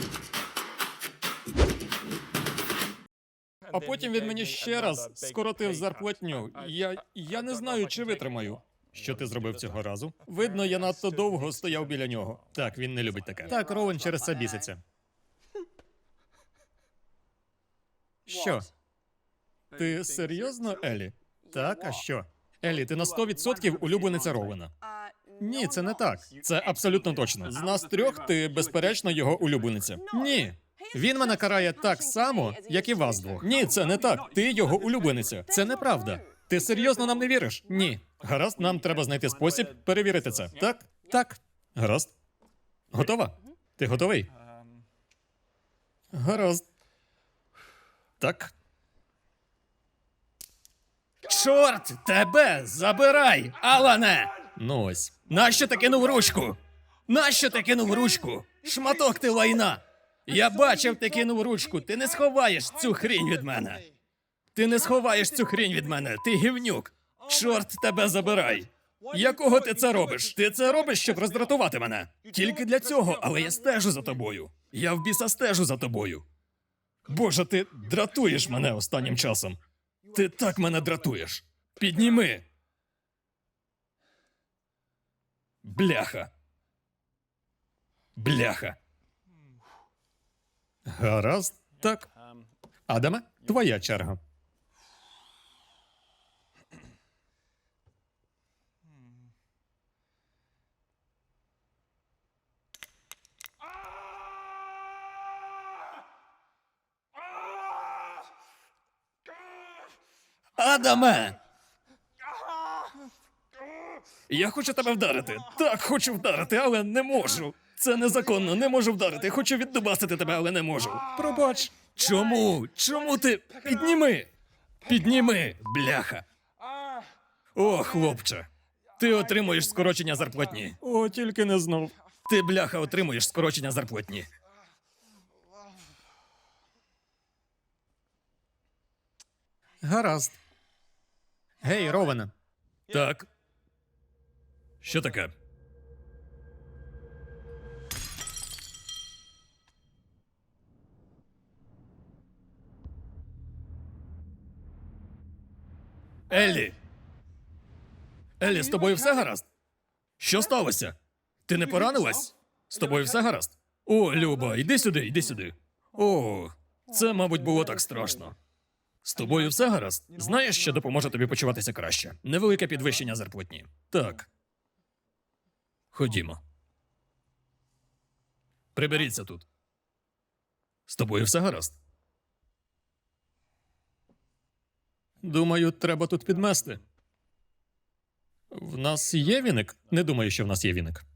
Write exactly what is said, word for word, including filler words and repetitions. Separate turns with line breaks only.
А потім він мені ще раз скоротив зарплатню. Я. я не знаю, чи витримаю. Що ти зробив цього разу? Видно, я надто довго стояв біля нього. Так, він не любить таке. Так, Роуен через це біситься. Що? Ти серйозно, Елі? Так, а що? Елі, ти на сто відсотків улюблениця Роуена. Ні, це не так. Це абсолютно точно. З нас трьох ти, безперечно, його улюблениця. Ні. Він мене карає так само, як і вас двох. Ні, це не так. Ти його улюблениця. Це неправда. Ти серйозно нам не віриш? Ні. Гаразд, нам треба знайти спосіб перевірити це. Так? Так. Гаразд. Готова? Ти готовий? Гаразд. Так. Чорт тебе забирай, Алане! Ну ось. Нащо ти кинув ручку? Нащо ти кинув ручку? Шматок ти лайна! Я бачив, ти кинув ручку. Ти не сховаєш цю хрінь від мене. Ти не сховаєш цю хрінь від мене. Ти гівнюк. Чорт тебе забирай. Якого ти це робиш? Ти це робиш, щоб роздратувати мене. Тільки для цього, але я стежу за тобою. Я в біса стежу за тобою. Боже, ти дратуєш мене останнім часом. Ти так мене дратуєш. Підніми. Бляха. Бляха. Гаразд, так. Адаме, твоя черга. Адаме! Я хочу тебе вдарити. Так, хочу вдарити, але не можу. Це незаконно, не можу вдарити. Хочу віддубасити тебе, але не можу. Пробач. Чому? Чому ти? Підніми! Підніми, бляха. О, хлопче. Ти отримуєш скорочення зарплатні. О, тільки не знов. Ти, бляха, отримуєш скорочення зарплатні. Гаразд. Гей, Роване. Так. Що таке? Еллі! Еллі, з тобою все гаразд? Що сталося? Ти не поранилась? З тобою все гаразд? О, Люба, йди сюди, йди сюди. О, це, мабуть, було так страшно. З тобою все гаразд? Знаєш, що допоможе тобі почуватися краще? Невелике підвищення зарплатні. Так. Ходімо. Приберіться тут. З тобою все гаразд? Думаю, треба тут підмести. В нас є віник? Не думаю, що в нас є віник.